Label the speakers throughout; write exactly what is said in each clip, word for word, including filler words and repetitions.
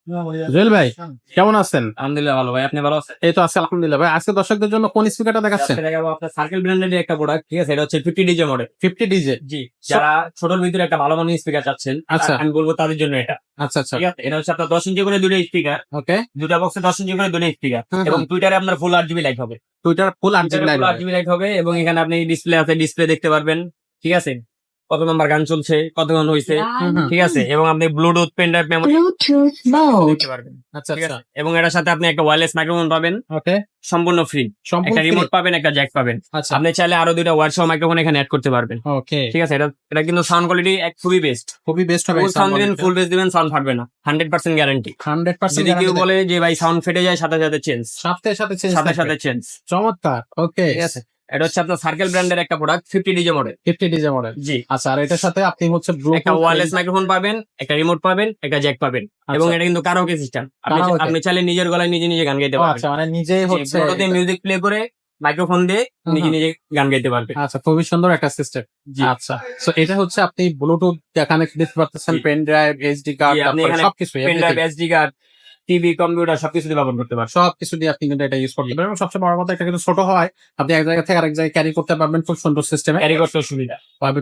Speaker 1: জুয়েল ভাই কেমন আছেন?
Speaker 2: আলহামদুলিল্লাহ ভালো ভাই, আপনি ভালো আছেন?
Speaker 1: এই তো আছে আলহামদুলিল্লাহ। ভাই আজকে দর্শকদের জন্য কোন স্পিকারটা দেখাচ্ছেন?
Speaker 2: আজকে দেখাবো আপনার সার্কেল ব্র্যান্ডের একটা প্রোডাক্ট, ঠিক আছে? এটা হচ্ছে fifty DJ model.
Speaker 1: Fifty DJ.
Speaker 2: জি, যারা ছোটর ভিতরে একটা ভালো মানের স্পিকার চাচ্ছেন,
Speaker 1: আচ্ছা।
Speaker 2: আমি বলবো তাদের জন্য এটা।
Speaker 1: আচ্ছা আচ্ছা,
Speaker 2: ঠিক আছে, এটা হচ্ছে আপনার দশ ইঞ্চি করে দুটো স্পিকার,
Speaker 1: ওকে।
Speaker 2: দুটা বক্সে দশ ইঞ্চি করে দুটো স্পিকার,
Speaker 1: হুম, হুম।
Speaker 2: এবং টুইটারে আপনার ফুল আট জিবি লাইট হবে।
Speaker 1: টুইটার ফুল আট জিবি লাইট
Speaker 2: আট জিবি লাইট হবে, এবং এখানে আপনি ডিসপ্লে আছে, ডিসপ্লে দেখতে পারবেন। ঠিক আছে, কত নাম্বার গান চলছে, কত গান হয়েছে, ঠিক আছে, এবং আপনি Bluetooth pen drive memory
Speaker 3: Bluetooth mode.
Speaker 2: দেখতে পারবেন।
Speaker 1: আচ্ছা
Speaker 2: ঠিক
Speaker 1: আচ্ছা,
Speaker 2: আছে, এবং এটার সাথে আপনি একটা ওয়্যারলেস মাইক্রোফোন পাবেন,
Speaker 1: ওকে।
Speaker 2: সম্পূর্ণ ফ্রি।
Speaker 1: সম্পূর্ণ
Speaker 2: একটা
Speaker 1: free?
Speaker 2: রিমোট পাবেন, একটা জ্যাক পাবেন।
Speaker 1: আচ্ছা,
Speaker 2: আপনি চাইলে আরো দুইটা ওয়্যার সহ মাইক্রোফোন এখানে অ্যাড করতে পারবেন।
Speaker 1: ওকে।
Speaker 2: ঠিক আছে, এটা এটা কিন্তু সাউন্ড কোয়ালিটি এক খুবই বেস্ট।
Speaker 1: খুবই বেস্ট হবে।
Speaker 2: ফুল সাউন্ড দিবেন, ফুল বেস দিবেন, সাউন্ড ফাটবে না, hundred percent guarantee.
Speaker 1: Hundred percent
Speaker 2: যদি কেউ বলে যে ভাই সাউন্ড ফেটে যায়, সাথে সাথে চেঞ্জ,
Speaker 1: সাথে সাথে চেঞ্জ
Speaker 2: সাথে সাথে চেঞ্জ।
Speaker 1: চমৎকার, ওকে।
Speaker 2: ঠিক আছে, এটা হচ্ছে আপনার সার্কেল ব্র্যান্ডের একটা product, fifty DJ model.
Speaker 1: Fifty DJ model.
Speaker 2: জি,
Speaker 1: আচ্ছা, আর এটার সাথে আপনি হচ্ছে
Speaker 2: একটা
Speaker 1: ব্লুটুথ
Speaker 2: ওয়্যারলেস মাইক্রোফোন পাবেন, একটা রিমোট পাবেন, একটা জ্যাক পাবেন, এবং এটা কিন্তু কারাওকে সিস্টেম। আপনি
Speaker 1: Karaoke?
Speaker 2: আপনি চাইলে নিজের গলায় নিজে নিজে গান গাইতে পারবেন।
Speaker 1: আচ্ছা, মানে নিজেই হচ্ছে
Speaker 2: ব্লুটুথে মিউজিক প্লে করে মাইক্রোফোন দিয়ে
Speaker 1: হুম,
Speaker 2: নিজে
Speaker 1: হুম।
Speaker 2: নিজে গান গাইতে পারবেন।
Speaker 1: আচ্ছা, খুবই সুন্দর একটা সিস্টেম।
Speaker 2: জি,
Speaker 1: আচ্ছা, সো এটা হচ্ছে আপনি ব্লুটুথ কানেক্ট দিতে পারতেছেন,
Speaker 2: জি।
Speaker 1: পেন ড্রাইভ, এইচডি কার্ড,
Speaker 2: জি, আপনি
Speaker 1: তারপরে
Speaker 2: এখানে
Speaker 1: সবকিছু
Speaker 2: pen drive, SD card, TV, computer সবকিছু দিয়ে ব্যবহার করতে পারবেন।
Speaker 1: সবকিছু দিয়ে আপনি কিন্তু এটা ইউজ করতে পারবেন। এবং সবচেয়ে বড় কথা, এটা কিন্তু ছোট হয়, আপনি এক জায়গা থেকে আরেক জায়গায় ক্যারি করতে পারবেন খুব সুন্দর সিস্টেমে।
Speaker 2: ক্যারি করতে সুবিধা।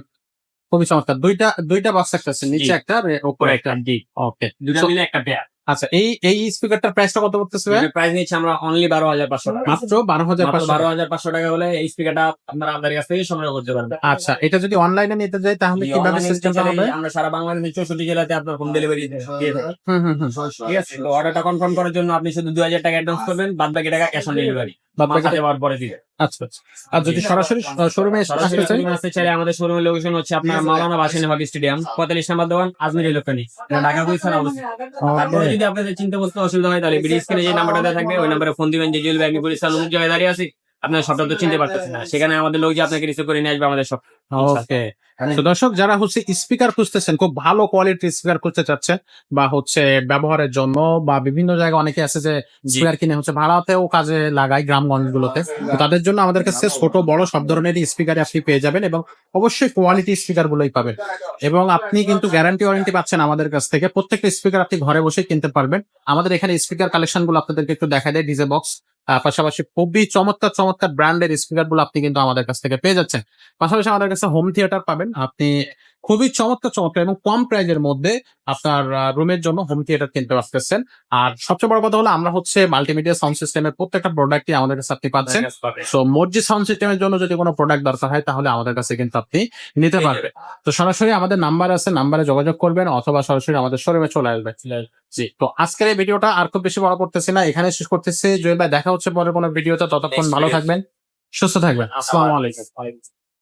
Speaker 1: খুবই চমৎকার। দুইটা দুইটা বক্স একটা আছে, নিচে
Speaker 2: জি।
Speaker 1: একটা আর উপরে
Speaker 2: উপরে
Speaker 1: একটা।
Speaker 2: একটা, জি,
Speaker 1: ওকে।
Speaker 2: দুটা
Speaker 1: So,
Speaker 2: মিলে একটা পেয়ার।
Speaker 1: আচ্ছা, এই এই স্পিকারটার প্রাইসটা কত পড়তেছে ভাই?
Speaker 2: প্রাইস নিচ্ছে আমরা অনলি বারো হাজার পাঁচশো টাকা।
Speaker 1: মাত্র বারো হাজার
Speaker 2: মাত্র
Speaker 1: পাঁচশো
Speaker 2: বারো হাজার পাঁচশো টাকা হলে এই স্পিকারটা আপনারা আমাদের কাছ থেকে সংগ্রহ করতে পারবেন।
Speaker 1: আচ্ছা, এটা যদি অনলাইনে নিতে যাই তাহলে
Speaker 2: জি,
Speaker 1: কিভাবে
Speaker 2: online
Speaker 1: সিস্টেমটা
Speaker 2: নিতে
Speaker 1: হবে?
Speaker 2: চাইলে আমরা সারা বাংলাদেশের চৌষট্টি জেলাতে আপনার হোম ডেলিভারি দিয়ে থাকি।
Speaker 1: হুম হুম হুম।
Speaker 2: ঠিক আছে, তো অর্ডারটা কনফার্ম করার জন্য আপনি শুধু দুই হাজার টাকা অ্যাডভান্স করবেন, বাদ বাকি টাকা ক্যাশ অন ডেলিভারি
Speaker 1: বাদ বাকি
Speaker 2: মাথা দেওয়ার পরে দিবে।
Speaker 1: আচ্ছা আচ্ছা। আর যদি সরাসরি শোরুমে
Speaker 2: সরাসরি
Speaker 1: আসতে চাই?
Speaker 2: আপনি আসতে চাইলে আমাদের শোরুমের লোকেশন হচ্ছে আপনার মাওলানা ভাসানী হকি স্টেডিয়াম, পঁয়তাল্লিশ নাম্বার দোকান, আজমির ইলেকট্রনিক্স, ঢাকা গুলশান অবস্থিত। তারপরে যদি আপনাদের চিন্তা করতে অসুবিধা হয়, তাহলে বিডি স্ক্রিনে যে নাম্বারটা দেওয়া থাকবে ওই নাম্বারে ফোন দিবেন। যে জুয়েল ভাই আমি গুলিস্তান অমুক জায়গায় দাঁড়িয়ে আছি, আপনার সবটা তো চিনতে পারতেছেন না, সেখানে আমাদের লোক যে আপনাকে রিসিভ করে নিয়ে আসবে আমাদের সব।
Speaker 1: ওকে। তো দর্শক, যারা হচ্ছে স্পিকার খুঁজতেছেন, খুব ভালো কোয়ালিটির স্পিকার খুঁজতে চাচ্ছেন, বা হচ্ছে ব্যবহারের জন্য, বা বিভিন্ন জায়গায় অনেকে আছে যে স্পিকার কিনে হচ্ছে ভাড়াতেও কাজে লাগায় গ্রামগঞ্জ গুলোতে, তো তাদের জন্য আমাদের কাছে ছোট বড় সব ধরনের স্পিকার আপনি পেয়ে যাবেন, এবং অবশ্যই কোয়ালিটি স্পিকার গুলোই পাবেন। এবং আপনি কিন্তু গ্যারান্টি ওয়ারেন্টি পাচ্ছেন আমাদের কাছ থেকে। প্রত্যেকটা স্পিকার আপনি ঘরে বসে কিনতে পারবেন। আমাদের এখানে স্পিকার কালেকশন গুলো আপনাদেরকে একটু দেখা দেয়, ডিজে বক্স, পাশাপাশি খুবই চমৎকার চমৎকার ব্র্যান্ডের স্পিকার গুলো আপনি কিন্তু আমাদের কাছ থেকে পেয়ে যাচ্ছেন। পাশাপাশি আমাদের কাছে হোম থিয়েটার পাবেন আপনি খুবই চমৎকার চমৎকার এবং কম প্রাইজের মধ্যে আপনার রুমের জন্য হোম থিয়েটার কিনতে পারতেছেন। আর সবচেয়ে বড় কথা হলো, আমরা হচ্ছে মাল্টিমিডিয়া সাউন্ড সিস্টেমের প্রত্যেকটা প্রোডাক্টই আমাদের কাছে আপনি পাচ্ছেন। সো মসজিদ সাউন্ড সিস্টেমের জন্য যদি কোনো প্রোডাক্ট দরকার হয়, তাহলে আমাদের কাছে কিন্তু আপনি নিতে পারবেন। তো সরাসরি আমাদের নাম্বার আছে, নাম্বারে যোগাযোগ করবেন, অথবা সরাসরি আমাদের শোরুমে চলে আসবেন। জি, তো আজকের এই ভিডিওটা আর খুব বেশি বড় করতেছি না, এখানে শেষ করতেছি। জুয়েল ভাই, দেখা হচ্ছে পরে কোনো ভিডিওতে। ততক্ষণ ভালো থাকবেন, সুস্থ থাকবেন। আসসালামু আলাইকুম।